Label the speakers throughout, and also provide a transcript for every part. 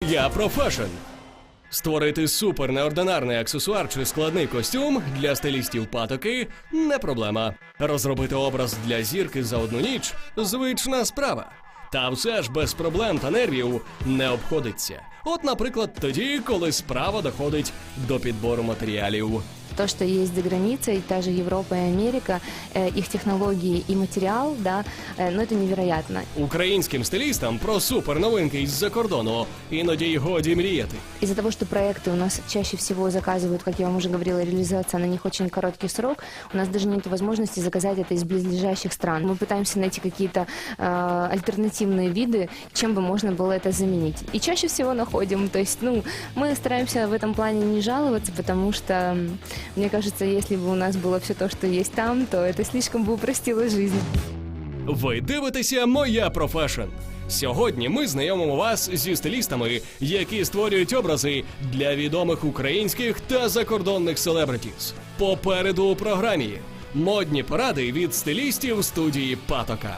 Speaker 1: Я про фешн. Створити супер неординарний аксесуар чи складний костюм для стилістів патоки – не проблема. Розробити образ для зірки за одну ніч – звична справа. Та все ж без проблем та нервів не обходиться. От, наприклад, тоді, коли справа доходить до підбору матеріалів.
Speaker 2: То, что есть за границей, та же Европа и Америка, их технологии и материал, да, ну это невероятно.
Speaker 1: Українським стилістам про суперновинки із-за кордону іноді й годі мріяти.
Speaker 2: Из-за того, что проекты у нас чаще всего заказывают, как я вам уже говорила, реализация на них очень короткий срок, у нас даже нет возможности заказать это из близлежащих стран. Мы пытаемся найти какие-то альтернативные виды, чем бы можно было это заменить. И чаще всего находим. То есть, мы стараемся в этом плане не жаловаться, потому что, мне кажется, если бы у нас было все то, что есть там, то это слишком бы упростило жизнь.
Speaker 1: Ви дивитеся «Моя про фешн». Сьогодні ми знайомимо вас зі стилістами, які створюють образи для відомих українських та закордонних селебритіс. Попереду у програмі модні поради від стилістів студії «Патока».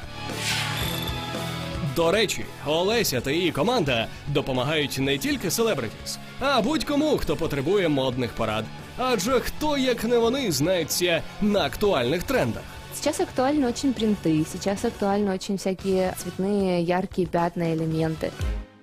Speaker 1: До речі, Олеся та її команда допомагають не тільки селебритіс, а будь-кому, хто потребує модних порад. Адже хто, як не вони, знається на актуальних трендах.
Speaker 2: Сейчас актуальны очень принты, сейчас актуальны очень всякие цветные, яркие пятна, элементы.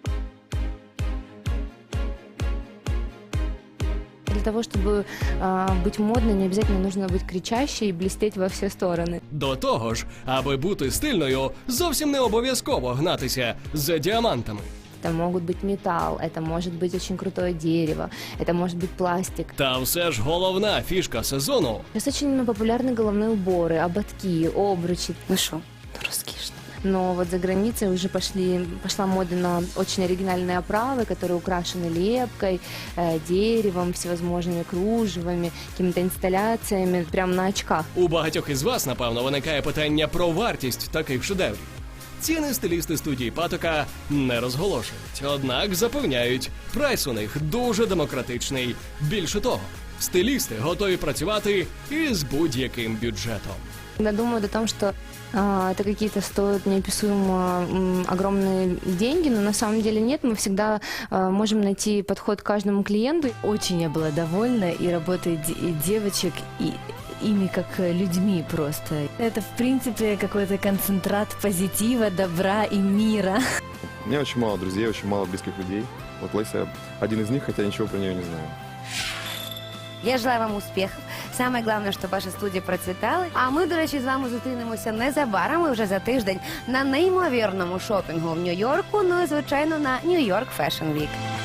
Speaker 2: Для того, чтобы быть модной, не обязательно нужно быть кричащей и блестеть во все стороны.
Speaker 1: До того ж, аби бути стильною, зовсім не обов'язково гнатися за діамантами.
Speaker 2: Это могут быть металл, это может быть очень крутое дерево, это может быть пластик.
Speaker 1: Та все ж головна фішка сезону
Speaker 2: Сейчас очень популярны головные уборы, ободки, обручи.
Speaker 3: Ну что, роскошно.
Speaker 2: Но вот за границей уже пошла мода на очень оригинальные оправы, которые украшены лепкой, деревом, всевозможными кружевами, какими-то инсталляциями, прямо на очках.
Speaker 1: у багатьох із вас, напевно, виникає питання про вартість таких шедеврів. Ціни стилісти студії «Патока» не розголошують, однак запевняють, прайс у них дуже демократичний. Більше того, стилісти готові працювати із будь-яким бюджетом.
Speaker 2: Я думаю о том, что это какие-то стоят неописуемо огромные деньги, но на самом деле нет. Мы всегда можем найти подход к каждому клиенту.
Speaker 3: Очень я была довольна и работой девочек, и ими как людьми просто. Это, в принципе, какой-то концентрат позитива, добра и мира.
Speaker 4: У меня очень мало друзей, очень мало близких людей. Вот Леся один из них, хотя ничего про нее не знаю.
Speaker 5: Я желаю вам успіхів. Саме головне, щоб ваша студія процвітала. А ми, до речі, з вами зустрінемося незабаром, і вже за тиждень на неймовірному шопінгу в Нью-Йорку, ну і, звичайно, на Нью-Йорк Fashion Week.